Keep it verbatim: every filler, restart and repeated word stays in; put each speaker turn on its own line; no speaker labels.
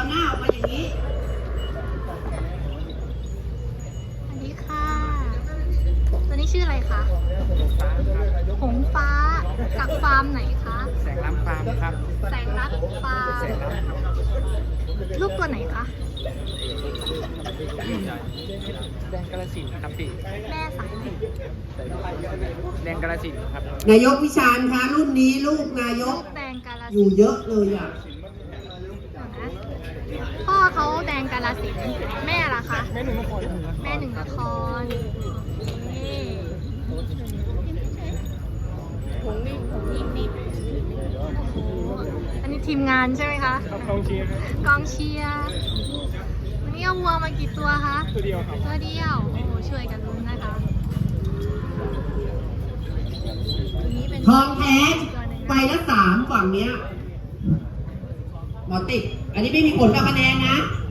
หน้าออกมาอย่างนี้
สวัสดีค่ะตัวนี้ชื่ออะไรคะหงฟ้าจากฟาร์มไหนคะ
แสงล้ำฟาร์มครับ
แสงรักฟาร์มลูกตัวไหนคะ
แดงกาฬสินธุ์ครับพี่
แม่สายไหน
แดงกาฬสินธุ์ครับ
นายกวิชาญคะรุ่นนี้ลูกนายก
แดงกาฬสินธุ์
อยู่เยอะเลยอ่ะ
พ่อเขาแดงกาฬสินธุ์แม่ล่ะคะแม่หนึ่งนครแม่หนึ่งนครนี่ผงนี่ผงนี่นี่อันนี้ทีมงานใช่ไหมคะ
กองเชียร์
กองเชียร์วันนี้เอาวัวมากี่ตัวคะ
ตัวเดียวครับ
ตัวเดียวโอ้โหช่วยกันลุ้นนะคะ
ทองแท้ไปละสามฝั่งเนี้ยหมอติดอันนี้ไม่มีผลกับคะแนนนะ